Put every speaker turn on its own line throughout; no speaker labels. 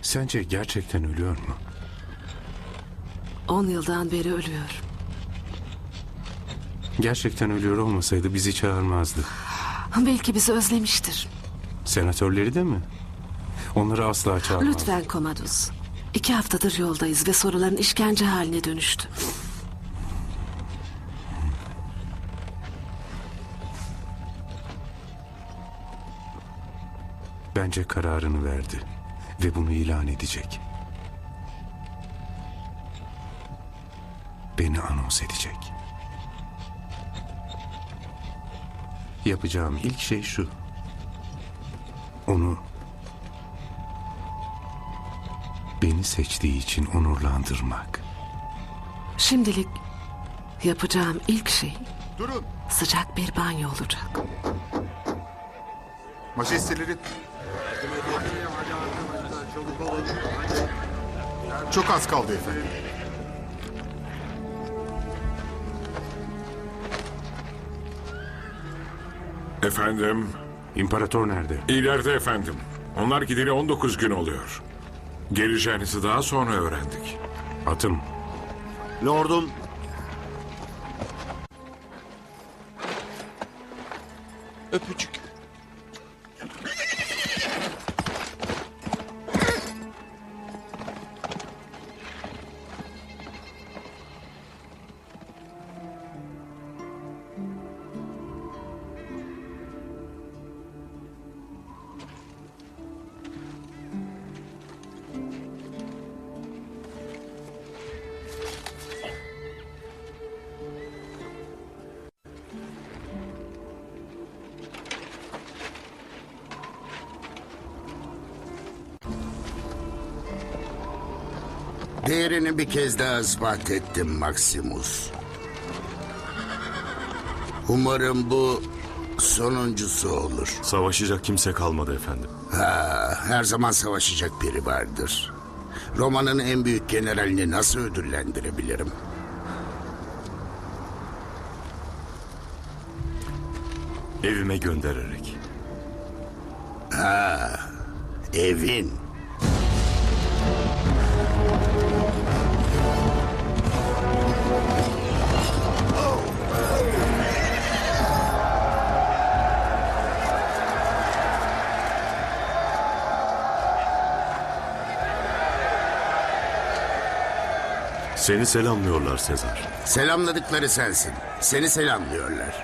Sence gerçekten ölüyor mu?
10 yıldan beri ölüyor.
Gerçekten ölüyor olmasaydı bizi çağırmazdı.
Belki bizi özlemiştir.
Senatörleri de mi? Onları asla çağırmaz.
Lütfen Komadus. 2 haftadır yoldayız ve soruların işkence haline dönüştü.
Bence kararını verdi ve bunu ilan edecek. Beni anons edecek. Yapacağım ilk şey şu. Onu beni seçtiği için onurlandırmak.
Şimdilik yapacağım ilk şey
Durun.
sıcak bir banyo olacak.
Majesteleri. Çok az kaldı efendim.
Efendim,
İmparator nerede?
ileride efendim. Onlar gideli 19 gün oluyor. Geleceğinizi daha sonra öğrendik.
Atım.
Lordum, öpücük.
Değerini bir kez daha ispat ettim Maximus. Umarım bu sonuncusu olur.
Savaşacak kimse kalmadı efendim.
Her zaman savaşacak biri vardır. Roma'nın en büyük generalini nasıl ödüllendirebilirim?
Evime göndererek.
Evin.
Seni selamlıyorlar Sezar.
Selamladıkları sensin. Seni selamlıyorlar.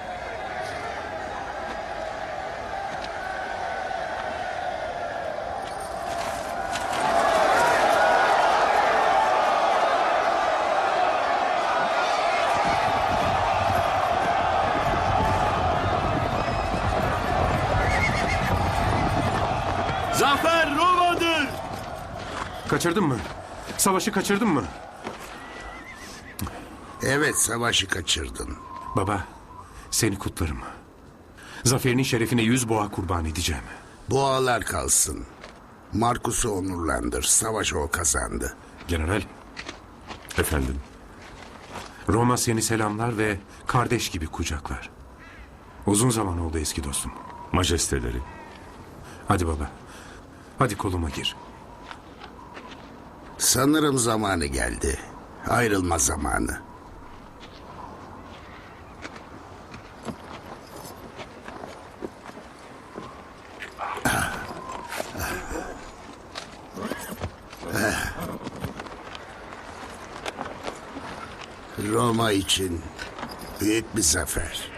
Zafer Roma'dır!
Kaçırdın mı? Savaşı kaçırdın mı?
Evet, savaşı kaçırdın.
Baba, seni kutlarım. Zaferinin şerefine 100 boğa kurban edeceğim.
Boğalar kalsın. Markus'u onurlandır. Savaşı o kazandı.
General,
Efendim,
Roma seni selamlar ve kardeş gibi kucaklar. Uzun zaman oldu eski dostum.
majesteleri.
Hadi baba, hadi koluma gir.
Sanırım zamanı geldi. Ayrılma zamanı. Roma için büyük bir zafer.